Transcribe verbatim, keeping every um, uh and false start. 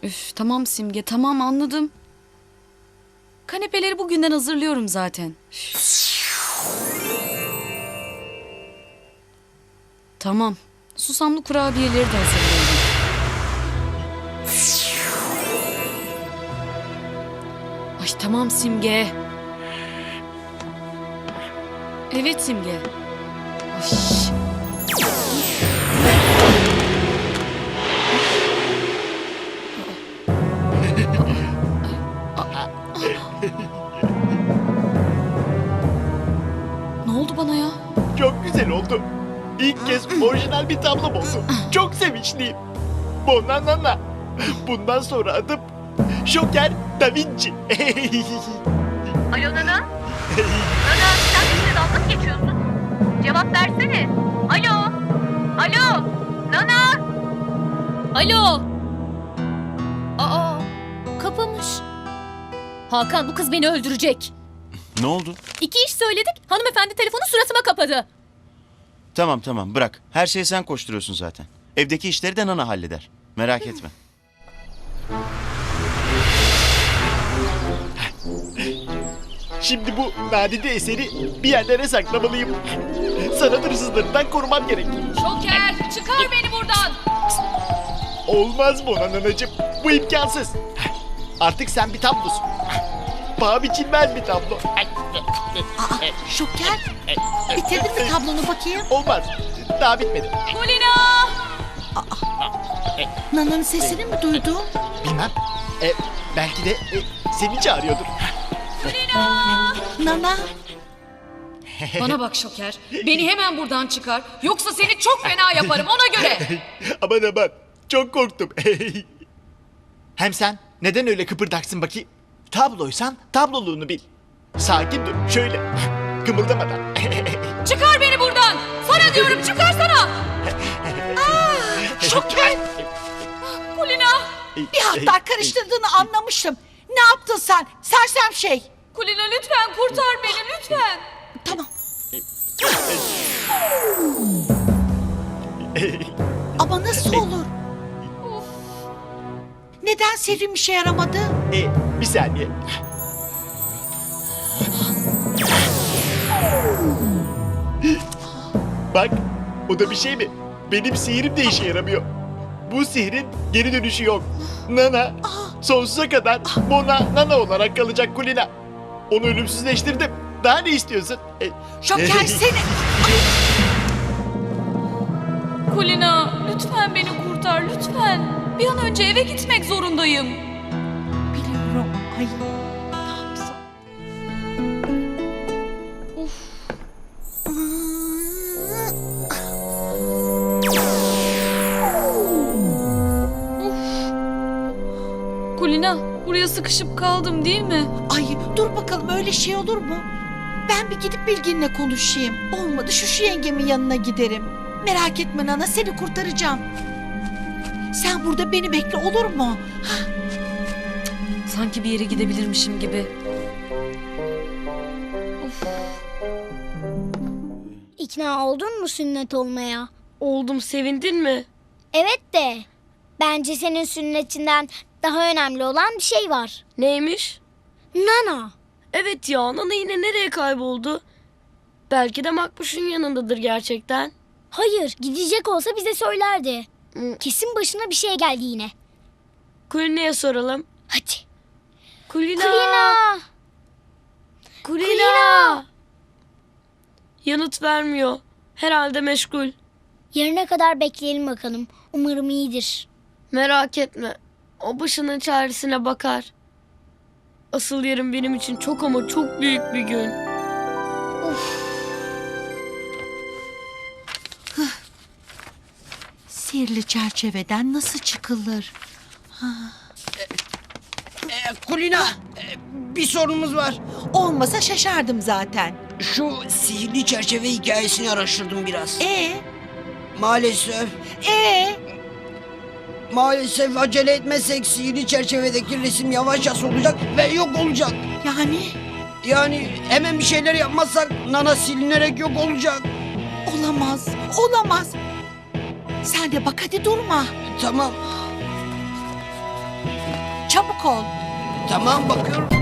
Üf, tamam Simge, tamam anladım. Kanepeleri bugünden hazırlıyorum zaten. Üf. Tamam. Susamlı kurabiyeleri de hazırlıyorum. Ay tamam Simge. Evet Simge. Ay. Ne oldu bana ya? Çok güzel oldu. İlk kez orijinal bir tablom oldu. Çok sevinçliyim. Bonanana. Bundan sonra adım Joker Da Vinci. Alo Nana? Nana sen bizimle dalga mı geçiyorsun? Cevap versene. Alo? Alo? Nana? Alo. Aa, kapamış. Hakan, bu kız beni öldürecek. Ne oldu? İki iş söyledik, hanımefendi telefonu suratıma kapadı. Tamam tamam bırak. Her şeye sen koşturuyorsun zaten. Evdeki işleri de Nana halleder. Merak etme. Şimdi bu nadide eseri bir yerlere saklamalıyım. Sanat hırsızlarından korumam gerek. Şoker, çıkar beni buradan. Olmaz Bonananacığım. Bu imkansız. Artık sen bir tablosun. Paha biçilmez bir tablo. Aa, Şoker, bitirdin mi tablonu bakayım? Olmaz. Daha bitmedi. Kulina! Nana'nın sesini mi duydun? Bilmem. E, belki de e, seni çağırıyordur. Nana, Bana bak Şoker. Beni hemen buradan çıkar. Yoksa seni çok fena yaparım ona göre. Aman aman. Çok korktum. Hem sen neden öyle kıpırdaksın bakayım? Tabloysan tabloluğunu bil. Sakin dur. Şöyle. Kımıldamadan. Çıkar beni buradan. Sana diyorum çıkarsana. Şoker, Kulina. bir hatlar karıştırdığını anlamıştım. Ne yaptın sen? Sersem şey. Kulina lütfen kurtar beni lütfen. Tamam. Ama nasıl olur? Neden sihrim işe yaramadı? E, bir saniye. Bak, o da bir şey mi? Benim sihirim de işe yaramıyor. Bu sihrin geri dönüşü yok. Nana, sonsuza kadar Mona Nana olarak kalacak Kulina. Onu ölümsüzleştirdim. Daha ne istiyorsun? E, Şoker seni... Kulina lütfen beni kurtar lütfen. Bir an önce eve gitmek zorundayım. Biliyorum. Ay, ne yapsam? Kulina buraya sıkışıp kaldım değil mi? Ay, dur bakalım öyle şey olur mu? Ben bir gidip Bilgin'le konuşayım. Olmadı şu şu yengemin yanına giderim. Merak etme Nana, seni kurtaracağım. Sen burada beni bekle, olur mu? Sanki bir yere gidebilirmişim gibi. İkna oldun mu sünnet olmaya? Oldum, sevindin mi? Evet de bence senin sünnetinden daha önemli olan bir şey var. Neymiş? Nana. Evet ya, Nana yine nereye kayboldu? Belki de Makbuş'un yanındadır gerçekten. Hayır, gidecek olsa bize söylerdi. Hı. Kesin başına bir şey geldi yine. Kulina'ya soralım. Hadi. Kulina! Kulina. Kulina! Kulina! Yanıt vermiyor. Herhalde meşgul. Yarına kadar bekleyelim bakalım. Umarım iyidir. Merak etme. O başının çaresine bakar. Asıl yarın benim için çok ama çok büyük bir gün. Sihirli çerçeveden nasıl çıkılır? Kulina, e, bir sorunumuz var. Olmasa şaşardım zaten. Şu sihirli çerçeve hikayesini araştırdım biraz. Ee, Maalesef, ee, maalesef acele etmezsek sihirli çerçevedeki resim yavaşça solacak ve yok olacak. yani Yani hemen bir şeyler yapmazsak Nana silinerek yok olacak. olamaz, olamaz. Sen de bak hadi durma. Tamam. Çabuk ol. Tamam bakıyorum.